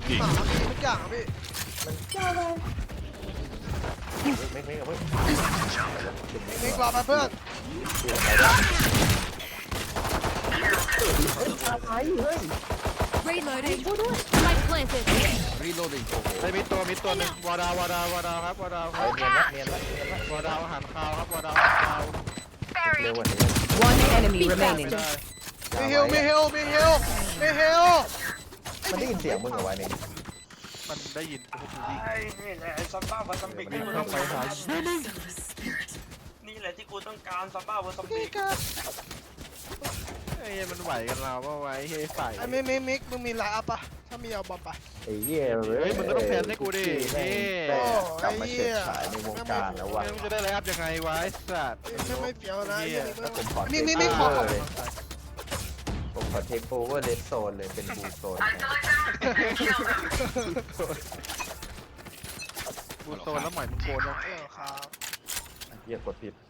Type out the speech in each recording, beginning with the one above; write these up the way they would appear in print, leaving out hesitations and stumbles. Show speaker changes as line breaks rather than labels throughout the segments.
หมามีทุกอย่างครับพี่
ไม่กับเพื่อน
มีกรอบมาเพื่อน
Reloading. Spike planted.
Reloading.
ไอ้มิดตัวหนึ่งวอดาวครับวอดาวครับ
เนียนละ
วอดาวอาหารคาวครับวอดาวอาหารคาว
เร็วกว่านี้
One enemy remaining.
ได้
มีฮิลมีฮิลมีฮิลมีฮิล
มันได้ยินเสียงมึงเหรอวะนี่
มันได้ยินพวกกูดิ
ไอ้นี่แหละซัมบ้าวัซัมบิก
มันเข้าไปหา
นี่แหละที่กูต้องการซัมบ้าวัซัมบิ
พี่
ก
กา
ไอ้เหี้ยมันไหวกันเราว่าไว้เฮ้ยใส่
ไอ้มิกมึงมีไลน์อัพปะถ้ามีเอาบอมไป
ไอ้เหี้ย
เฮ้ยมึงก็ต้องแพนให้กูดิ
แม่ง
โอ้
กลับมา
ไอ้เหี้
เฉิด
ย
ฉายในวงการแล้ววะ
มึงจะได้ไลฟ์อัพยังไงวะไอ้สัตว์
ไม่เฟี้ยวนะไอ้เหี้ย
แล้วผมขอ
มิกขอ
เลยผมขอเทคโอเวอร์เลสโซนเลยเป็นบูโซน
บูโซนแล้วหมอยมึงโกนแล้ว
ครับ
เหี้ยกดผิด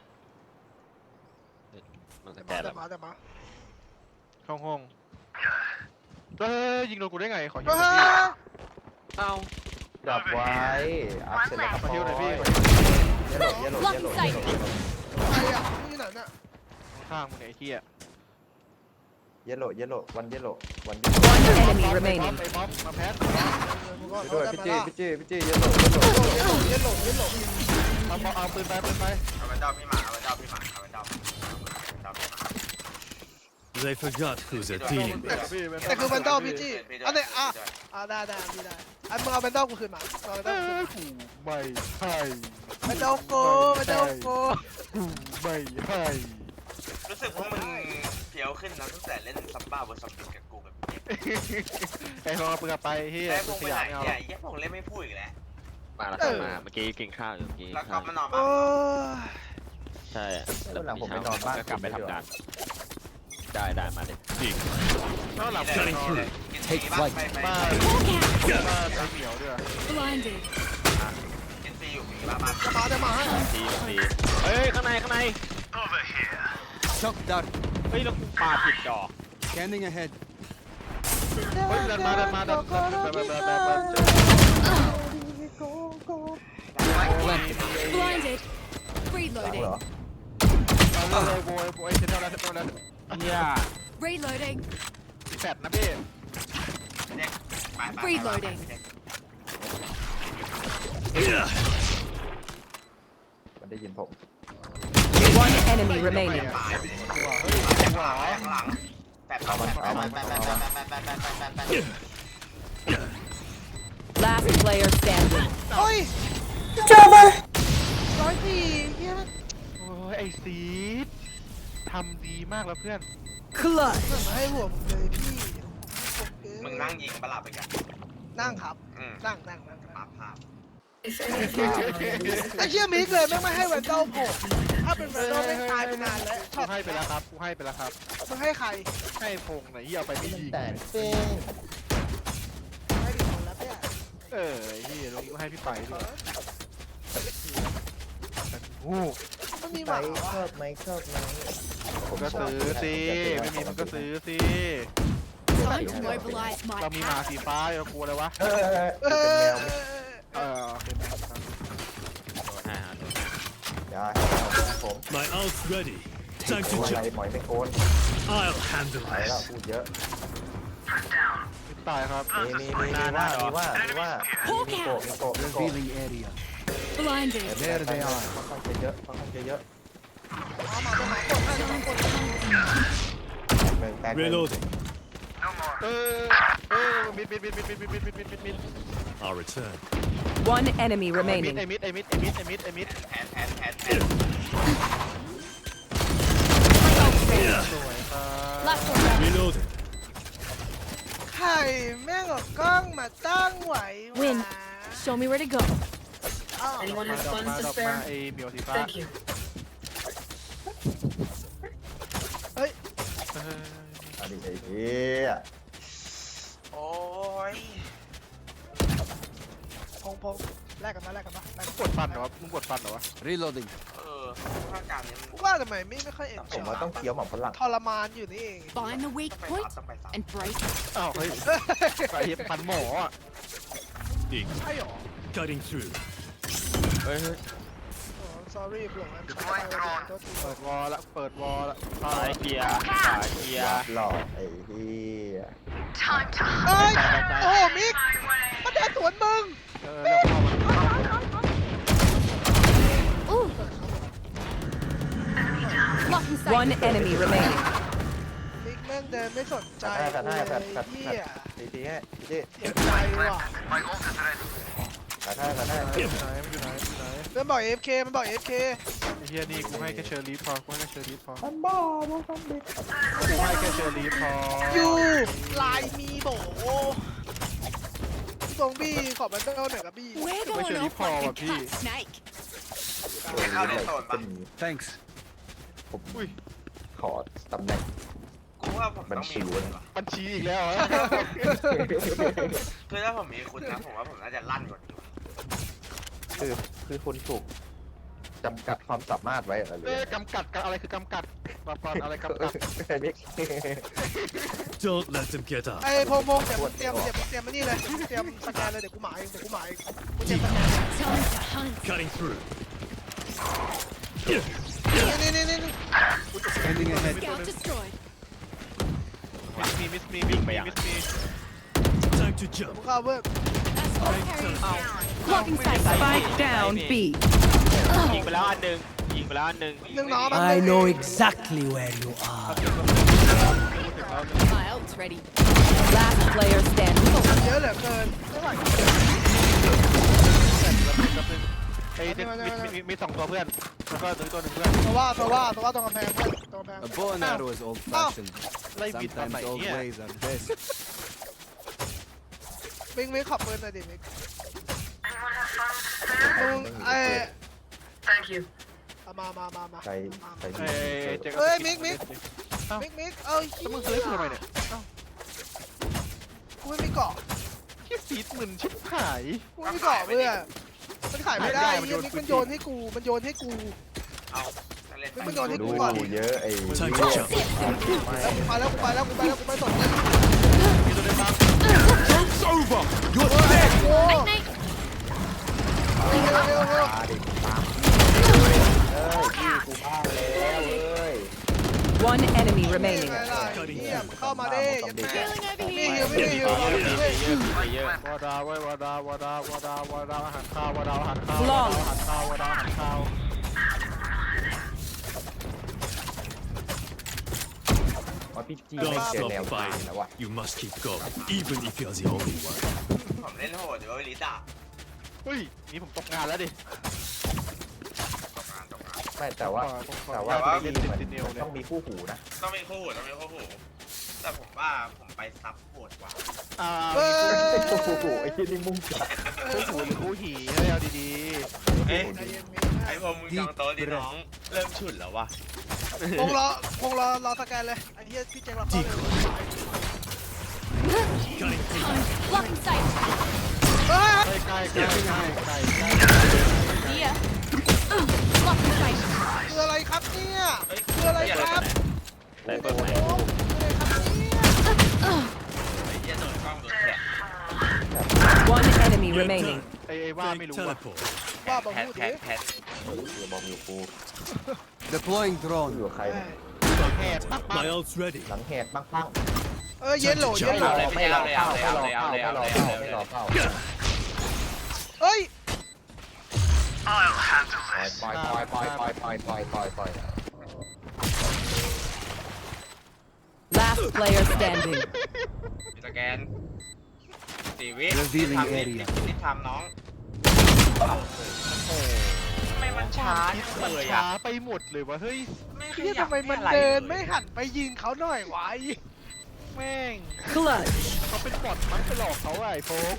มันสแก
แต่
นแล้ว
มา
เข้าห้องเฮ้ยยิงโดนกูได้ไงขอยิง
เฮ้
หน่อยพี่
ย
เอ้า
จับไว้อัพเสร็จแล้วครับ
ขอฮิวหน่อยพี่
เยลโล่
ใครอ่ะมึงอยู่ไหนน่ะ
ข้างมึงเนี่ยไอ้เหี้ย
เยลโล่วันเยลโล่
One enemy
ไอ้
remaining.
บ๊อบมาแพท
ไปด้วยพี่จี้เยลโล่
เย็นหลง
เอาปืนไป
เอาไปดาวพี่หมาเอาไปดาวพี่หมาเอาไปดาวพี่หมา
They forgot who's a team.
แต่คือแบนดอลพี่จี้อันนี้ได้พี่ได้ไอ้มึงเอาแบนดอลกูคืนมาเอาแบนดอลกูคืนมา
ไม่ให้
แบนดอลกูแบนดอลกู
ไม่ให้
รู้สึกว่ามึงเพียวขึ้นนะตั้งแต่เล่นซัมบ้าวัซัมบิกกับกูแบบนี้
ไอ้ลองเอาปืนไปเฮีย
แต่พ
กู
ง
ข
ไปไหน
ยะไม่เอา
เนี่ยยังพงเล่นไม่พูดอีกแล้ว
มาแล้วครับมาเมื่อกี้กินข้าวอยู่เมื่อกี้
แล้วก็มานอน
โอ้
ใช่
แล้วหลังผมไปนอนบ้าน
ก็กลับไปทำงานได้มาเลย
นอกหลับ
นี่
ไป
เลย
นอน
กินซีบ้างไป
บ้า
Hawk out.
บ้าไอ้เหนียวด้วย
Blinded.
กินซีอยู่มีบ้าง
จะมาให้
ดีเฮ้ยข้างใน
Shock dart.
เฮ้ยแล้วกูปาผิดดอก
Scanning ahead.
เฮ้ยเดินมาแบบ
Blinded.
หลัง
Reloading.
เหรอ
เอาเลยโวยเช็ดแล้ว
เนี่ย
Reloading.
แฟดนะพี่
Reloading
มันได้ยินผม
One enemy remaining.
หลังแปด
Last player standing.
โอ้ย104เฮีย
โอ้ยไอ้ซีดทำดีมากแล้วเพื่อน
Clutch.
มาให้หัวผมเลยพี่
มึงนั่งยิงประหลาดไปกัน
นั่งครับ นั่ง
ภาพ
ไอ้เชี่ยมิกเลยไม่ให้แวนดอลผมถ้าเป็นแวนดอลไม่ตายไปนานแล้ว
กูให้ไปแล้วครับกูให้ไปแล้วครับ
มึงให้ใคร
ให้พงไหนเฮียเอาไปไม่ยิง
แต่เป้ง
ให้ดิคนแล้วเนี่ย
ไอ้เฮียลงกูให้พี่ไปด้วยโอ้
มันมีห
ไหม
มาวะ
ชอบไหม
ก็ซื้อสิไม่มีมันก็ซื้อสิ
Time to mobilize my
เรามีหมา
power.
สีฟ้าเรากลัวเลยวะ
เป็นแมว
เป็นแมว
โดน5โดน
อย่าผม
My ult's ready. Time
โอ้
to
ย
jump.
หมอยไม่โกน
I'll handle
ไปแล้ว
this.
พูดเยอะ
ตายครับ
มีว่ามีโก
Revealing area.
Blinded.
There they are.
ค่อนข้างจะเยอะ
เอามาเป็นหมากดให้น้องกด
แตก
Reloading.
มิด
I'll return.
One enemy
ไอ้
remaining.
มิด
แผน
สวยครับ
Last one. down.
Reloading.
ไข่แม่งกับกล้องมาตั้งไหว
Win. Show me where to go.
มาดอกมาไอ้เหมียวสีฟ้า
อดีตไอ้เหี้ย
โอ้ย
พงแลกกันมา
กดฟันเหรอวะมึงกดฟันเหรอวะ
Reloading.
ภาคกลางเนี่ยมัน
กูว่าทำไมไม่ค่อยเอ็น
ผมว่าต้องเคี้ยวหมากฝรั่ง
ทรมานอยู่นี่เอง
Find the weak
ต้องไป
point
ซับต้องไปซับ
and break it.
อ้าวเฮ้ยไปพันหมออ่ะ
Ink.
ใช่หรอ
Cutting through.
เฮ้ย
sorry เปลือกมันช้าไปโทษที
เปิดวอลละเปิดวอลละ
ซ้ายเกียร์ขวาเกียร์
หลอกไอ้เหี้ย
เอ้ยโอ้มิกมันแดนสวนมึง
เรื่องเข้ามา
Ooh. Blocking sight.
One enemy remaining.
มิกแม่งเดินไม่สนใจ
กัดให้กัด
เลย
กัด
เฮี
กัด
ย
ตีให้ตี
เจ็บใจว่ะ
กัดให้
อยู่ไหนมันอยู่ไหนมันอยู่ไหน
เพื่อนบอก AFK มันบอก AFK
ไอ้เฮียนี่กูให้แค่เชอร์ลีฟพอกูให้แค่เชอร์ลีฟพอ
มันบ้ามันทำเด็ก
กูให้แค่เชอร์ลีฟพอ
อยู่ลายมีโบตรงบี้ขอบมันเต้าหน่อยกับบี้
We're
Where's
going
your
off
leap
like a
forward,
cut
P?
snake.
เข้าในโซนปะ
Thanks.
ผม
อุ้ย
ขอตำแหน่ง
กูว่าผมต้องมีคุณว่ะ
บัญชีอีกแล้วเหรอ
คือถ้าผมมีคุณนะผมว่าผมน่าจะลั่นกว่านี้
คือคุณถูกจำกัดความสามารถไว้อะไรเล
เอ้
ย
ยกำกัดกับอะไรคือกำกัดตอบก่อนอะไรกำกัด
ไอ้นิก
Don't let them get up.
ไอ้พงเดี๋ยวเตรียมมานี่เลยเตรียมสแกนเลยเดี๋ยวกูหมายกูเตรียมสแกน
Time to hunt.
Cutting through.
นี่
Sending ahead.
Scout destroyed.
มิสมีมิสมี
Time to jump.
กูเข้าเพิ่ม
That's all carries down. Blocking sight.
Spike down B.
ยิงไปแล้วอันหนึ่งยิงไปแล้วอันหนึ่ง
หนึ่งน้อง
I know exactly where you are.
My ult's ready.
Last player standing.
เยอะเหลือเกินไม่ไหว
ไอ้เด็กมีสองตัวเพื่อนแล้วก็ตัวหนึ่งเพื่อน
ตัวว่าตรงกำแพงตรงกำแพง
A bow and arrow is old-fashioned.
ไล่บิดทำไม
Sometimes old
เนี่ย
ways are best.
มิกขับปืนหน่อยดิมิกมึงไอ้มา
ใคร
เอ้ยเจ๊
เอ้ยมิกเอ้ย
แล้วมึงซื้อทำไมเนี่ย
กูไม่มีเกาะ
คิดสีหมื่นชิบหาย
กูไม่มีเกาะเพื่อนมันขายไม่ได้มิกมันโยนให้กู
เอาเล่น
มิกมันโยนให้
ดู
กูก่อน
เยอะไอ้
Time to jump.
ไปแล้วกูไม่สน
มีตัวเดินมา
Joke's over. You're
โอ้
Night night.
เร็ว
ตาดิตามพี่กูบ้าแล้วเอ้ย
One enemy
นี่
remaining.
ไงล่ะเฮียเข้ามาดิยันแม่
Healing over
ไม่
here.
หิว
เยอะ
วาดาไว้วาดอาหารข้าววาดาอาหารข้าว
Long
อาหารข้าววาดาอาหารข้าว
ว่าพี่จีไม่
Don't
เจอแนว
stop
ทาง
fighting.
แล้วว่ะ
You must keep going, even if you're the only one.
ผมเล่นโหดเดี๋ยวลิซ่า
เฮ้ยนี่ผมตกงานแล้วดิ
ตกงาน
ไม่แต่ว่า
แต่
พี่
เล่น
มัน
ติดเดียวเนี่ย
ต้องมีคู่หูนะ
ต้องมีคู่หูแต่ผมว่าผมไปซับโหดกว่า
เฮ้ย
คู่หูไอ้ที่นี่มุ่งจัด
คู่หูหรือคู่หีให้เอาดี
เอ้ย
ใจเย็นมิ
ไอ้พวกมึงจองโต๊ะดิน้องเริ่มฉุนแล้ววะ
คงรอสแกนเลยไอ้เหี้ยพี่เจ๊งเราเข้าเลย
Cutting through.
Blocking sight.
เฮ้ย
ๆใกล้
Here. Blocking sight.
คืออะไรครับเนี่ยคืออะไรครับ
ได้เปิดไหม
โอ้คืออะไรครับเนี่ย
ไอ้เหี้ยโดนกล้องโดนแท็ก
One enemy remaining.
ไอ้ว่าไม่
Fake
รู้อะ
teleport.
ว่าบอก
แพท
พูด
แพ
ดิ
ทแพท
บอกอยู่กู
Deploying
กู
drone.
อยู่กับใครเนี่ย
แหบปักปัก
My ult's ready.
หลังแหกปั้ง
เย็นโหล
ไม่รอเป้าเฮ้ยปล่อย
Last player standing.
สแกน4 วิ
Revealing
ทำ
area
นี่ทำน้องทำไมมันช้า
มัน
เลย
ช้า
อ่ะ
ไปหมดเลยวะเฮ้ย
เฮียทำไมมันเดินไม่หันไปยิงเขาหน่อยวะ
แม่ง
Clutch.
เขาเป็นบอทมันไปหลอกเขาไอ้โฟง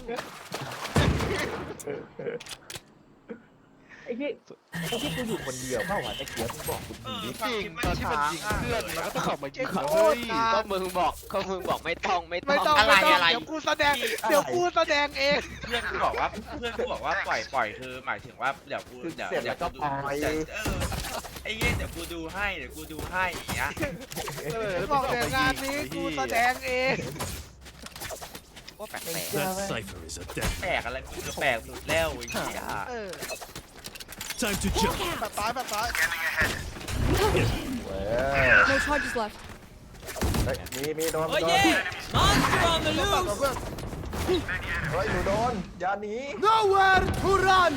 ไอ้ที่กูอยู่คนเดียวเปล่าวะไอ้เกียร์มึงบอกกูดี
จริงตอนที่มันยิงเพื่อนมันก็ต้องออกมายิง
โค
เฮ้
ต
ย
รนาน
ก็มึงบอกไม่ต้อง
ไม่ต้องเดี๋ยวกูแสดงเอง
เพื่อนกูบอกว่าปล่อยคือหมายถึงว่าเดี๋ยวกู
เสร็จแล้วก็ปล่อย
อ้เหี้ยเดี๋ยวกูดูให้อย่างเงี้ย
บอกเดี๋ยวงานนี้กูแสดงเอง
ว่าแปลก
That cipher is a death.
แปลกอะไรกูจะแปลกสุดแล้วไอ้เหี้ย
เออ
Time to jump.
แบบซ้ายแบบซ้าย
เว้ย
No charges left.
เฮ้ยมีโดนโดน
Monster on the
ตัดตัวเพื่อน
เฮ้ยหนูโดนอย่าหนี
Nowhere to run!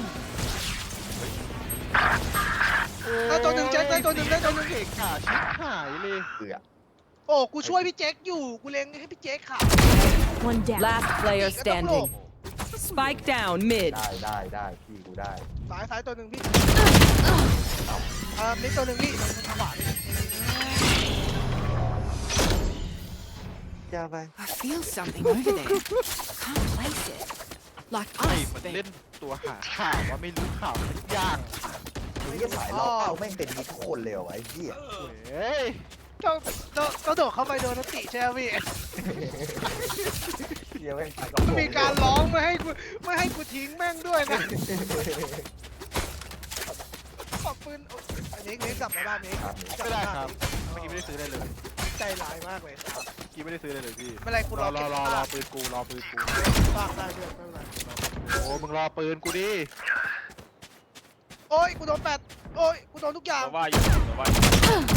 ได้ตัวหนึ่งเจ๊กได้ตัวหนึ่งได้ตัวหนึ่ง
เก่งขาชิบหายเลย
เกือบ
โอ้กูช่วยพี่เจ๊กอยู่กูเล็งให้พี่เจ๊กค่ะ
One down.
Last player standing. Spike down mid.
ได้พี่กูได้
ซ้ายตัวหนึ่งพี่นี่ตัวหนึ่งพี่จังหวะ
อย่าไป
I feel something over there. Can't place it. Like
ไอ้มันเล่นตัวหาข่าวว่าไม่รู้ข่าวทุกอย่าง
ไอ้เหี้ยสายล็อกเอาแม่งเป็นมีทุกคนเลยเหรอวะไอ้เหี้ย
เฮ้ย
ก็โดดเข้าไปโดนนัตติใช่ไหมพี่
เหี้ยแม่งสายล็
มีการร้องไม่ให้กูทิ้งแม่งด้วยนะขอบปืนอันนี้กลับมาบ้านนี้
ไม่ได้ครับเมื่อกี้ไม่ได้ซื้อได้เลย
ใจร้ายมากเลย
เมื่อกี้ไม่ได้ซื้อได้เลยพี่
ไม่เป็นไรกู
ร
ร
อ
อ
รอ
เก็บ
รอ
ซาก
ปืนกูรอปืนกู
ซากได้ด้วยไม่เป็นไร
โอ้มึงรอปืนกูดิ
โอ้ยกูโดนแปดโอ้ยกูโดนทุกอย่าง
ตัวว่าอยู่ตัวว่าอยู่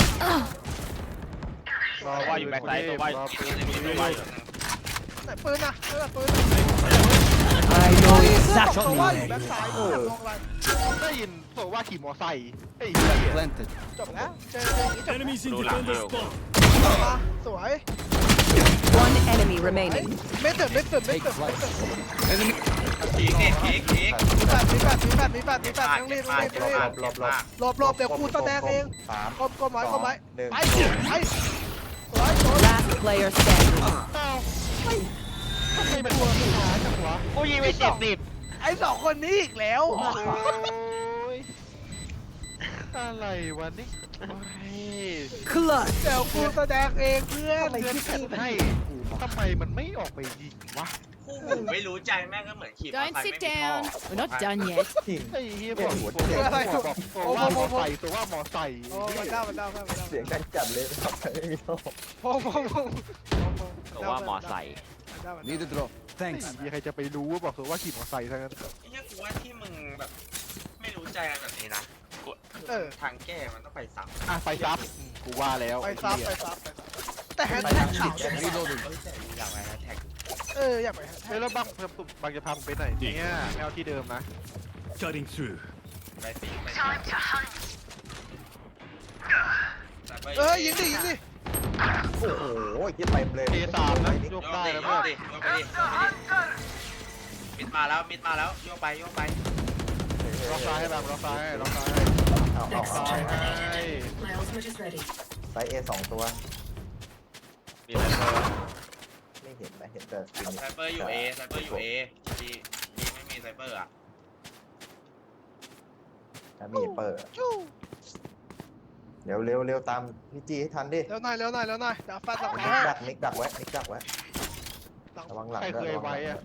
ตัวว่าอยู่แบ็คไซด์ตัวว่าอยู่
รอปืน
ตัวว่าอยู่
ไหนปืนนะปืน
I know
ตัว
exactly
ว่าอ
where
ยู่แบ็ค
you
ซ้าย
are.
ลงอะไร
ได้ยินตัวว่าขี่มอไซค์ไอ้เหี้ย
Planted.
จบแล้วเจออย่างนี้จบ
Enemies in
Roll out,
defender
roll.
spawn.
มาสวย
One enemy remaining.
ไม่ตื่น
Take flight. Enemy.
พีก
มีแปดต้องรีบ หลบเดี๋ยวกูแสดงเอง
สาม
ก้มไว้
หนึ่ง
ไปสวย
Last player standing.
ทำไมมันตัวหาจังวะ
กูยิงไป70
ไอ้สองคนนี้อีกแล้ว
โอ้ยอะไรวะนี่โอ้ย
Clutch.
เดี๋ยวกูแสดงเองเพื่อน
เพื่อนกันให้ทำไมมันไม่ออกไปยิงวะ
คู่หูไม่รู้ใจแม่งก็เหมือนขี่มอเตอ
Don't
ร์ไซค์
sit
ไม่มีท่อ
down. We're not done yet.
จริง
ไอ้เฮียบอกตัวว่ามอไซค์ตัวว่ามอไซค์
โอ้มันได้
เสียงดังจัดเลยครับไม่มีโทษ
พง
ตัวว่ามอไซค์
Need a drop.
ไอ้
Thanks.
เฮียใครจะไปรู้ว่าบอกตัวว่าขี่มอไซค์ซะงั้น
ไอ้เหี้ยกูว่าที่มึงแบบไม่รู้ใจกันแบบนี้นะ ทางแก้มันต้องไปซ้ำ
อ่ะไปซับกูว่าแล้ว
ไปซับแต่แฮชแท็กข่าว
Reloading.
อยากไปแฮชแท็ก
อยากไปแฮชแท็
เฮ้ย
ก
แล้วบางจะพามึงไปไหนเนี่ยแนวที่เดิมนะ
Cutting through.
ไปสิไป
ยิงดิ
โอ้โหยิ่งเต็มเลย
เอสามนะย
โย
ก
ก
ได้
ดิ
แล้ว
โย
เพื่อก น
ดิโยกไปดิมิดมาแล้วโยกไป
ล็อกซ้ายให้บางล็อกซ้ายให้ล็อกซ้าย
เอา
ซ้ายให้
ไซส์ A 2 ตัว
มีอะไรเพิ่ม
ไม่เห็นนะเห็นแต่สกิน
ไซเปอร์อยู่ A ไซเปอร์อยู่ A ดีไม่มีไซเปอร์อ่ะ
ถ้ามีเปิดเร็วตามพี่จีให้ทันดิ
เร็วหน่อยเดี๋ยวฟันหลัง
นิกดักไว้ระวังหลัง
ใครเคยไว้อะ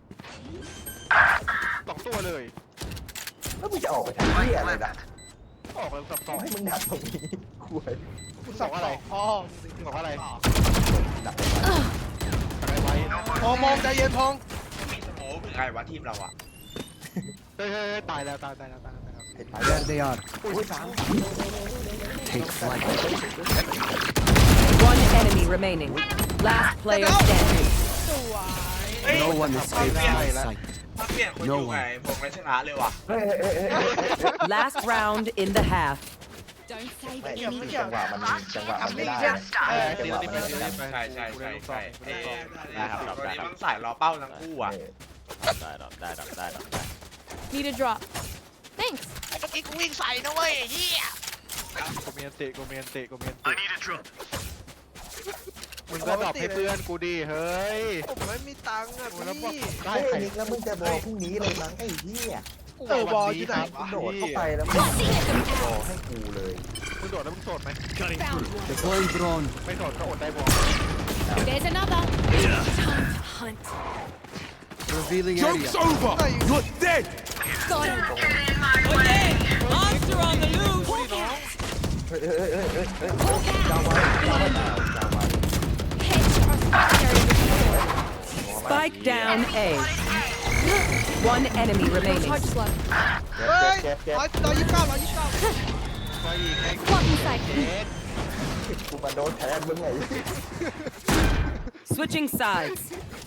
2 ตัวเลย
แล้วมึงจะออกไปทำที่อะไรล่ะ
ออกแล้วสับสอง
ให้มึงดักตรงนี้คุย
กูสับอะไรพ่อ
บอกอะไร
ดัก
อะไรไว้
มองใจเย็นพง
มีสโมกหรือไงวะทีมเราอ่ะ
เฮ้ยตายแล้ว
There they are.
อุ้ยสาม
Take flight.
One enemy remaining. Last player standing.
สวย
No one escapes my sight.
ถ้าเปลี่ยนคนอยู่ไงผมไม่ชนะเลยว่ะ
Last round in the half.
Don't say
ไม่
anything.
จังหวะมันไม่ได้จังหวะมันไม่ได้
ใช่
ได้ครับ
ตอนนี้มันสายรอเป้าทั้งคู่อ่ะ
ได้
Need a drop. Thanks.
เมื่อกี้กูวิ่งใส่นะเว้ยเฮีย
โกเมียนเตะมึงก็ดรอปให้เพื่อนกูดิเฮ้ย
ผมไม่มีตังค์อ่ะ
แล้วบอก
พี่
ได้
เฮ้ย
ใคร
นิกแล้วมึงจะบอกพรุ่งนี้เลยมั้งไอ้เหี้ย
บอลที่ไหนวะ
โดดเข้าไปแล้วมึงบอกให้กูเลย
มึงโดดแล้วมึงโสดไหม
Cutting through.
Deploying drone.
ไม่โสดก็อดได้บอก
There's another.
Yeah.
Time to hunt.
Revealing
Joke's
area.
over. You're dead.
Got him.
Monster on the loose.
ฮ้ยจาวไว้จาวไว้จาวไว้
Spike down A. One enemy remaining.
Charge slow.
เฮ้ย
เก็บ
129
Blocking sight.
กูมาโดนแทนมึงไง
Switching sides.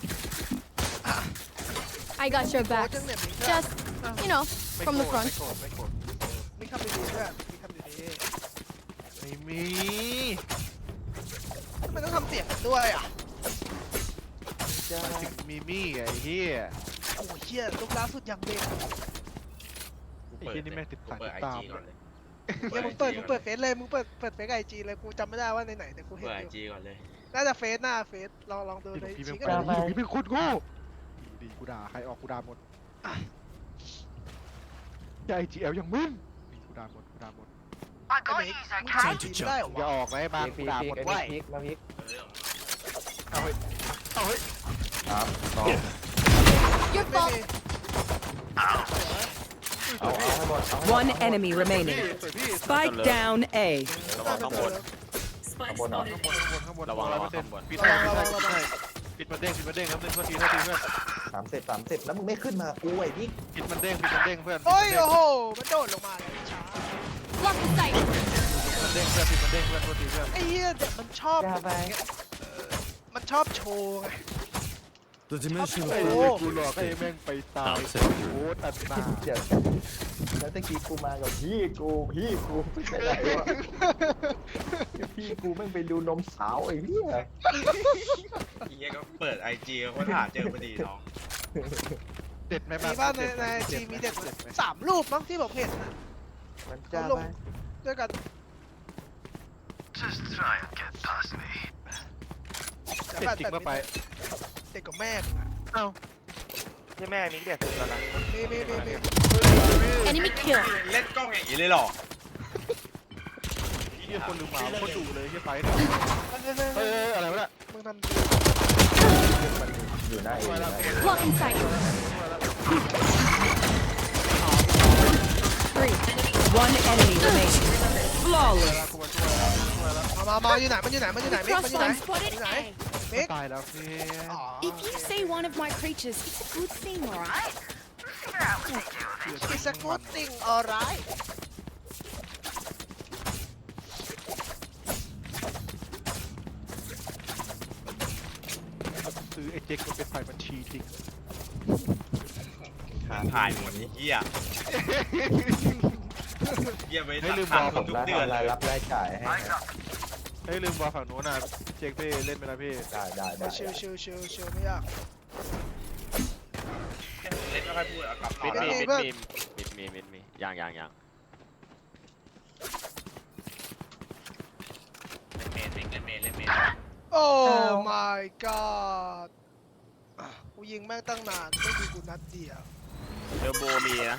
I got your
โอ้
back.
จังเนี่ย
Just, you know,
ไม่
from
โกร
the
ธ
front.
ไม่โกรธ
มีคำดีๆด้วยมีคำดี
ไม่มี
ๆไม่ต้องทำเสียงด้วยอ่ะ
มันถึงมีมี่ไอ้เหี้ย
โอ้ยเชี่ยลูกล่าสุดยังเด็ก
ไอ้เหี้ยนี่แม่งติดสาย
เปิ
ติ
ด
ดตาม
IG ก่อนเลย
เฮียมึงเปิดเฟซเลยมึงเปิดเฟซไอจีเลยกูจำไม่ได้ว่าในไหนแต่กูเห็น
เปิด
อยู่
IG ก่อนเลย
น่าจะเฟซหน้าเฟซลองดูใน
พี่
ชี
เป็น
ก็
คน
ได้
พี่เป็นคนโง่ดีกูด่าใครออกกูด่าหมดอย่า IGL อย่างมึงกูด่าหมดกูด่าหมด
ไอ้เมฆมึงใช้จีไม่ได้เหรอ
อย่าว
ะ
ออกนะไอ้บางกูด่าหมด
ไอ้
ไว้
พริกมาพริก
เอาเฮ้ยเอาเฮ้ย
ครับน้อง
Your
ไม่
fault.
มี
เอาให้หมด
One enemy remaining.
สวยพี่
Spike down A.
ระวังข้างบน
ข้างบนเหรอ
ข้างบน
ระวัง
100%
ข้างบน
ปิดให้ปิดมาเด้งครับเพื่อนโทษทีเพื่อน
30แล้วมึงไม่ขึ้นมากูไอ้พริก
ปิดมันเด้งเพื่อน
โอ้ยโอ้โหมันโดดลงมาเลยช้า
Blocking sight.
มันเด้งเพื่อนปิดมันเด้งเพื่อนโทษทีเพื่อน
ไอ้เหี้ยเด็กมันชอบแบบอย่างเงี้ยมันชอบโชว์ไง
The dimensional
ไอ้
fabric
กูหลอกให้แม่งไปตาย
I'll set you.
โอ้ตัดหน้า
เดี๋ยวแล้วตะกี้กูมากับพี่กูไปไหนวะพี่กูแม่งไปดูนมสาวไอ้เหี้ย
ไอ้เหี้ยก็เปิด IG เขาหาเจอพอดีน้อง
เด็ดไหม
มีบ้านในจีมีเด็ก3 รูปมั้งที่ผมเห็นนะ
มันจะ
เขาลง
ไป
ด้วยกัน
เด็ดจริงมาไป
เด็กกับแม่
เอ้า
ใช่แม่มีเด็กแล้วนะ
มี
Enemy kill.
เล่นกล้องอย่างนี้เลยหรอ
เฮียคนลืมหมาคนดุเลยเฮียไปเนี่ยเฮ้ยอะไรวะเนี่ย
มึงทำ
มันอยู่หน้าเองนะ
Blocking sight. 3.
One enemy remaining. Flawless.
กูมาช่วยแล้ว
มาอยู่ไหนมันอยู่ไหนอยู่ไหน
Crossline spotted
อยู่ไหน
A.
เมก
ตายแล้วพี่
If you say one of my creatures, it's a good thing, alright?
It's a good thing alright
ซื้อไอ้เจ๊กมันเป็นฝ่ายบัญชีจริง
ถ่ายหมดไอ้เหี้ยเหี้ยไป
ให้ลืม
ตัด
บอก
คนทุก
ราย
เดือนเล
ราย
ย
รับรายจ่ายให้
เฮ้ยลืมบอกฝั่งนู้นน่ะเจ๊กพี่เล่นไปแล้วพี่
ได้
ชิวไม่ยาก
เล่นไม่ค่อยพูดเอากลับต่อ
มิด
แล้ว
มียัง
เล่นเมน
โอ้ my god กูยิงแม่งตั้งนานไม่ดูกูนัดเดียว
เทอร์โบมีนะ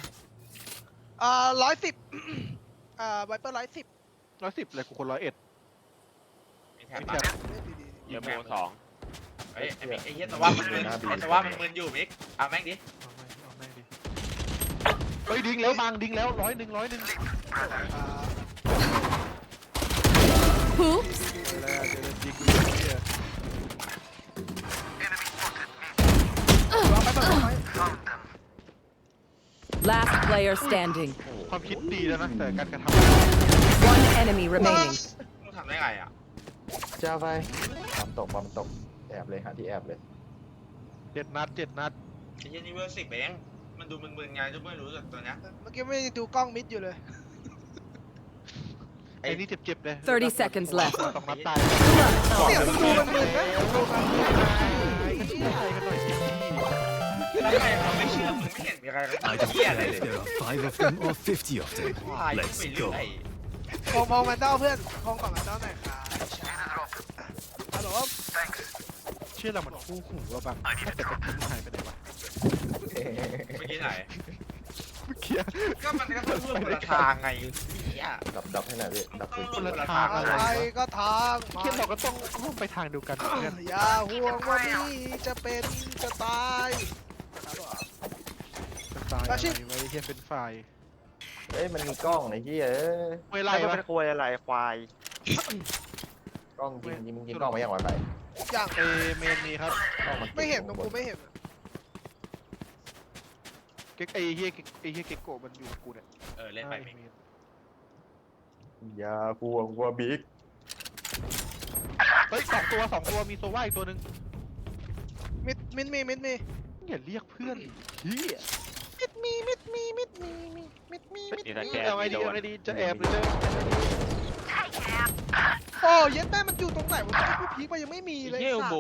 110ไวเปอร์110
110เลยกูคน101
มีแถบ
มี
ปะ
แถบ
เทอร์โบ2
เฮ้ยไอ้มิกไอ้เหี้ยแต่ว่ามันมึนแต่ว่ามันมึนอยู่มิกเอาแม่งดิ
เอาแม่งดิเฮ้ยดิ้งแล้วบางดิ้งแล้ว100
Oops.
แล้วเดี๋ยวดิ้งดูเนี่ย
Last player standing.
ความคิดดีแล้วนะแต่การกระท
One enemy remaining.
มึงทำได้ไงอ่ะ
จะไปบอมตกแอบเลยหาที่แอบเลย
ำ7 นัด
ไอ้เหี้ยนี่เวอร์10เองมันดูมึนๆไงจะไม่รู้จักตัวเนี้ย
เมื่อกี้ไม่ได้ดูกล้องมิดอยู่เลย
ไอ้นี่เจ็บเลย
30 seconds left.
2 นัดตาย
เสียงมึงดูมันมึนนะ
แล้วใครเขาไม่เชื่อมึงไม่เห็นมีใคร
I
เขา
don't
เหี้ย
care
อะไรเลย
if there are 5 of them or 50 of them.
วายไป
Let's
เรื่
go.
อย
พองแมนเต้าเพื่อนพองก่อนแมนเต้าหน่อยครับฮัลโหล
เชื่อเรามันคู่หูเราบางแต่ตะกี้หายไปไหนวะ
เมื่อกี้ไหน
เมื่อกี้
ก็มันก็ต้องพูดคนละทางไงเหี้ย
ดับให้หน่อยพี่ดับ
ต้
ปื
อง
น
พูดคนละทาง
อะ
อะไร
ไรก็ทางมา
เมื่อกี้เราก็ต้องร่วมไปทางเดียวกันเพื่อน
อย่าห่วงว่านี่จะเป็นจะตายครับผม
จะตายอะไรไว้เฮียเป็นฝ่าย
เอ้ยมันมีกล้องไอ้เหี้ย
ไม่ไล่
ไล่
ปะ
เป็นควยอะไรควาย
กล้องยิงมึงยิงกล้องมาอย่างไรไป
อย่าง
เอเมนมีครับ
กล้องมัน
ไม่เห็นตรงกูไม่เห็น
เก๊กไอ้เฮียเก๊กโกะมันอยู่กับกูเนี่ย
เล่นไปไม่
อย่ากลัวกลัวบิ๊ก
เฮ้ยสองตัวมีโซว่าอีกตัวหนึ่ง
มิดมี
อย่าเรียกเพื่อนเฮีย
มิดมี
นี่ถ้าแก
เอาไง
ไม่
ดี
โดน
เอาไงดีจะแอบหรือจะ
โอ้เย็ดแม่มันอยู่ตรงไหนวะกูพีคไปยังไม่มีเลย
เฮลโบ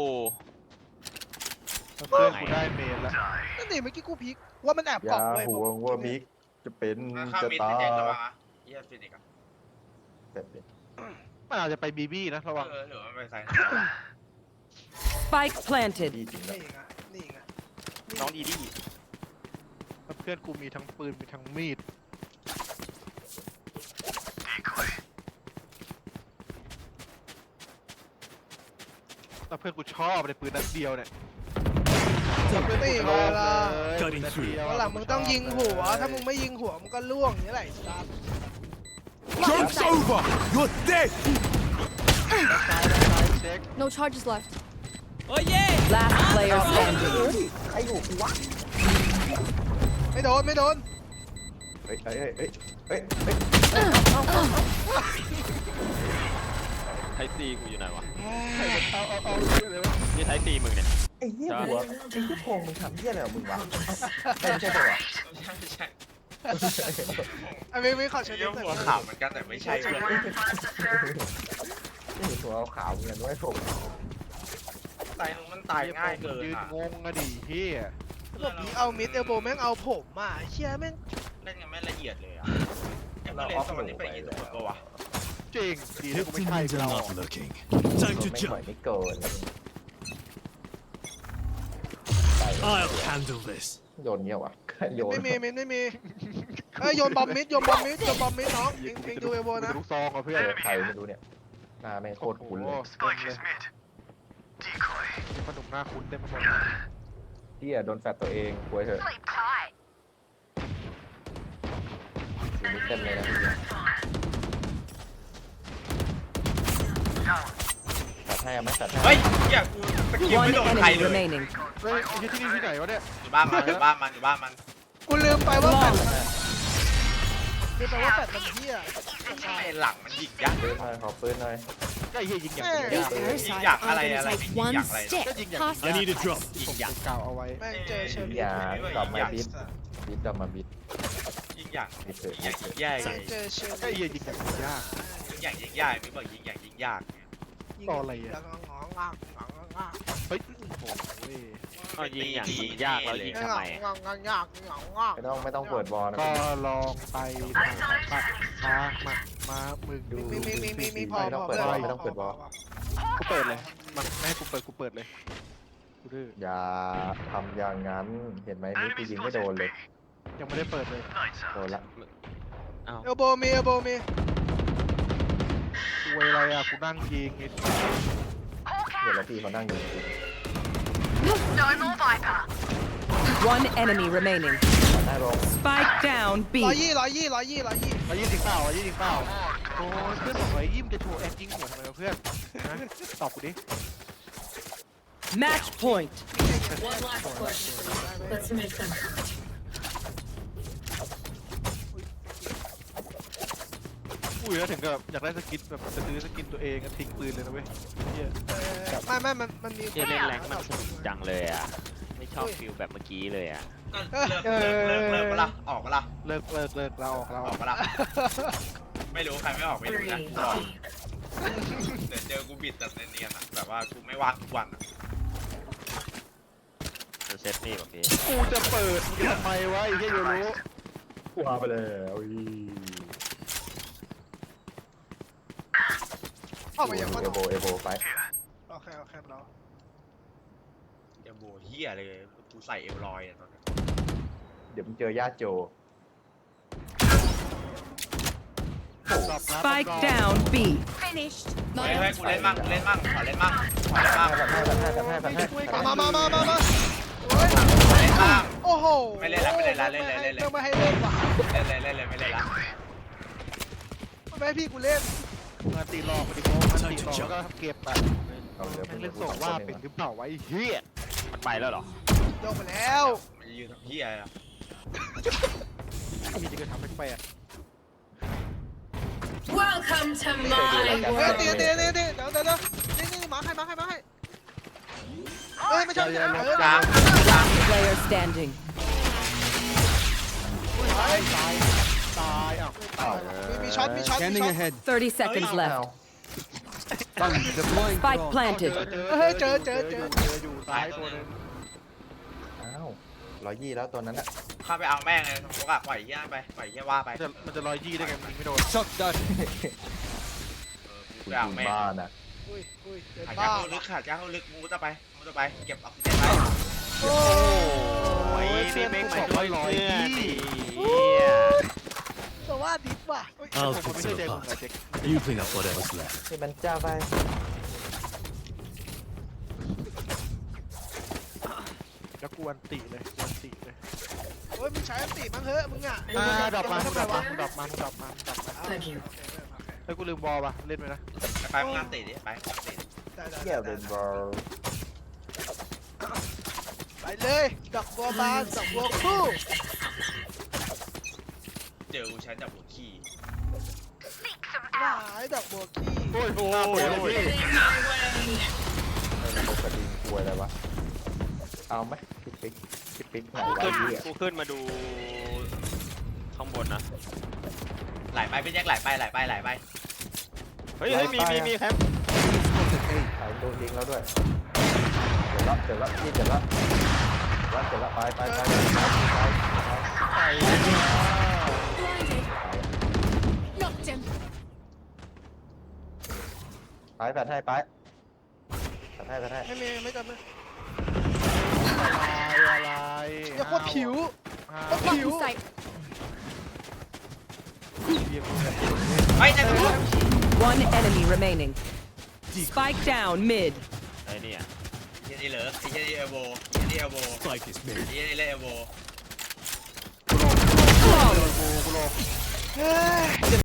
เพื่อนกูได้เมนแล้ว
นั่นดิเมื่อกี้กูพีคว่ามันแอบ
อก
ล่อง
ย่า
เลย
ห่วงว่าบิ๊กจะเป็น
ข้าม
จะ
มิด
ตา
เป็น
ย
เด็กระวังอ่ะเยี่ยฟินิกอ่ะ
เสร็จเลย
มันอาจจะไปบีบี้นะระวัง
หรือว่าไปใส่
Spike planted.
ดีจริงแล้ว
นี่ไง
น้องดีดี
แล้วเพื่อนกูมีทั้งปืนมีทั้งมีดแล้วเพื่อนกูชอบเลยปืนนัดเดียวเนี่ย
นี่เวลา
Cutting through.
วันหลังมึงต้องยิงหัว ถ้ามึงไม่ยิงหัวมึงก็ล่วงอย่างนี้แหละไอ้สัส
Joke's over! You're dead!
เช็ค
No charges left.
Last player standing.
ใครอยู่กูวะ
ไม่โดน
เฮ้ยเฮ้ย
ไทตีกูอยู่ไหนวะ
เอาเลยวะ
นี่ไทตีมึงเนี่ย
ไอ้เหี้ยหัวไอ้ที่โพงมึงทำเหี้ยอะไรของมึงวะไม่ใช่ตัว
ใช่
ไอ้ไม่ขอเช็ด
เยี่ย
หน่
หัว
อย
ขาวเหมือนกันแต่ไม่ใช่เพื่อน
นี่หัวขาวเหมือนกันด้วยผม
ตายมันตายง่ายเกิน
ยืน
อ่ะ
งงอะดิเฮีย
ผมพีคเอามิดเอลโบแม่งเอาผมอ่ะเชี่ยแม่ง
เล่นกันไม่ละเอียดเลยอ่ะไอ้เมื่อเล่นสมัยนี้ไปยิงทุกคนปะวะ
จริงดีที่กูไม่
Fifteen
ใช่
minutes
กู
are
เรา
not looking. Time to
ไม่ปล่อย
jump.
ไม่เกิน
I'll handle this.
โยนเงี้ยวะโยน
ไม่มีเอ้ยโยนบอมมิดน้องเองดูเอลโบนะ
ลูกซองอ่ะเพื่อน
ใครไม่รู้เนี่ยหน้าแม่งโคตรคุ้นเลย
มีขนมหน้าคุ้นเต็มไปหมด
เหี้ยโดนแฟดตัวเองป่วยเถอะอยู่นี่เต็มเลยนะพี่ตัดให้ไหมตัดให้
เฮ้ยอยากกูตะกี้
One
ไม่โดนใคร
enemy
เลย
remaining.
เฮ้ยไอ้ที่นี่ที่ไหนวะเนี่ย
อยู่บ้านมัน
กูลืมไปว่าแฟดมันเหี้ย
ใช่หลังมันยิงยักษ์
ปืนหน่อยขอปืนหน่อย
ก็ไอ้เฮียยิงอย่าง
These
ยิง
parasites
อยาก
are
อะไร
gonna
อะไร
take
ยิง
one
อยากอะไร
stick.
ก็ยิงอย่าง
Pass
I need a drop.
ผมกล่าวเอาไว้
แม่งเจอเชอร์รี่
อย่ากลับมาบิดบิดกลับมาบิด
ยิงอยาก
บิดเถอะ
ยิงอยากยิงยาก
เจอเชอร์
ก็ไอ้เฮียยิงอย่างยาก
ยิงยากไม่บอกยิงอยากยิงยาก
แล้วก็งอง
เฮ้ยโอ้โห
ก็ยิงอย่างยิงยากแล้วยิงทำไมอะ
ไม่ต้องเปิดบอลนะ
ก็ลองไปมามึงดู
มีพอ
กูเปิดเลยมันไม่ให้กูเปิดเลยกูดื้อ
อย่าทำอย่างนั้นเห็นไหมนี่กูยิงไม่โดนเลย
ยังไม่ได้เปิดเลย
โดนละ
เอ้า
เอลโบมี
กูอะไรอ่ะกูนั่งยิงไอ้
เดี๋ยวแล้วพี่เขานั่งอยู่
One enemy remaining.
หน้าโรง
Spike down B.
120
มายิงถึงเปล่าโอ้ยเพื่อนบอกไอ้ยิ้มจะโชว์แอคยิงหัวทำไมวะเพื่อนนะตอบกูดิ
Match point.
Let's make them count.
อุ้ยแล้วถึงกับอยากได้สกินแบบจะซื้อสกินตัวเองทิ้งปืนเลยนะเว้ยเฮีย
ไม่มันมี
เฮียเล่นแรงมันสนุกจังเลยอ่ะ ไม่ชอบฟิลแบบเมื่อกี้เลยอ่ะ
ก็เลิกมาละออกมาละ
เลิกเราออก
ออกมาละไม่รู้ใครไม่ออกไม่รู้นะเดี๋ยวเจอกูบิดแบบเนียนๆอ่ะแบบว่ากูไม่ว่างทุกวันอ่ะ
จะเซฟนี่แบบนี้
กูจะเปิดมึงจะทำไมวะไอ้เฮียโยรู้
ว้าไปแล้วอี
เข้ามาอย่างว่า
เอโบไป
โอเคเรา
เดี๋ยวโบเฮียเลยกูใส่เอลลอยอ่ะตอนนี้
เดี๋ยวมึงเจอญาติโจ
Spike down B.
Finished.
เฮ้ยกูเล่นมั่งขอเล่นมั่ง
แบบให้
มา
ขอเล่นมั่ง
โอ้ย
โอ้
โห
ไม่เล่นละไม่เล่นละเล่นเลยเล่นเลย
ไม่ให้เล่นว่ะ
เล่นเลยเล่นเลยไม่เล่นละ
ไม่ให้พี่กูเล่น
งานตีหลอกไปดิโก้งานตีหลอกแล้วก็เก็บอะ
เอาเหลือ
แม่งเล่นส่งว่าเป็นหรือเปล่าวะไอ้เหี้ย
มันไปแล้วเหรอ
โดนไปแล้ว
มันยืนทำเหี้ยอะไรอะ
มีจะเกิดทำแปลก
Welcome to
เฮ้ย
my
ตี
world.
เดี๋ยวนี่มาให้เฮ้ยไม่ใช่ไม่ใช่
กลาง
Player standing.
ๆตายอ้าว
มีช็อต
Scanning ahead.
30 seconds
อ้าว
left.
Done. Deploying
Spike
drone.
planted.
เจออยู่ซ้ายตัวนึง
อ้าว120แล้วตัวนั้นอะ
เข้าไปเอาแม่งเลยสมมติอะปล่อยเหี้ยไปปล่อยเหี้ยว่าไป
มันจะ120ได้ไงมันยิงไม่โดน
Suck that.
กูไปเอาแม่ง
บ้าน่ะ
อุ้ยเดิน
ขา
บ้า
จ้าเข้าลึกขาจ้าเข้าลึกมูจะไปเก็บออกซิเจนไป
โอ้
โอ้ย
ย
นี่ไม่มาด้วยเพื่อนดิ
แต่ว่าดิฟว่ะ
I'll
ผม
fix
ไม่
it
ใช่เด็ก
apart.
เด็ก
You clean up whatever's left.
ให้มันจ้าไป
แล้วกูอันติเลยอันติเลย
โอ้ยมึงใช้อันติมั้งเฮ้ยมึงอ่ะ
ดรอปมา
ทำไมวะ
Thank you.
เฮ้ยกูลืมบอลป่ะเล่นไปนะ
ไปมึงงานติดิไปงานติ
เกี่ยวเป็นบอล
ไปเลยดอกบัวบานดอกบัวคู่
เจอกูใช้จับหัวขี้
หายดอกบัวขี้
โอ้ยโอ้ยพี่
ระบบกระดิ่งกลัวอะไรวะเอาไหมคิดปิ๊กไหนวะ
ขึ้น
เหี้ย
กูขึ้นมาดูข้างบนนะ
ไหลไปพี่แจ็คไหลไป
เฮ้ยมีแคม
Spotted A.
ไหนโดนยิงแล้วด้วยเจ็บแล้วพี่เจ็บแล้วไป
Knocked him.
แปดให้
ไม่จำเลย
อะไร
อย่าโคตรผิว
Blocking sight.
เฮ้ยจะดู
One enemy remaining. Spike down mid.
ไอ้เนี่ย
ไอ้นี่เหรอไอ้นี่เอโวไอ้นี่เอโว
Spike is
ไอ้
made.
นี่เล่นเอโว
Flawless.
กูโล
เฮ้ย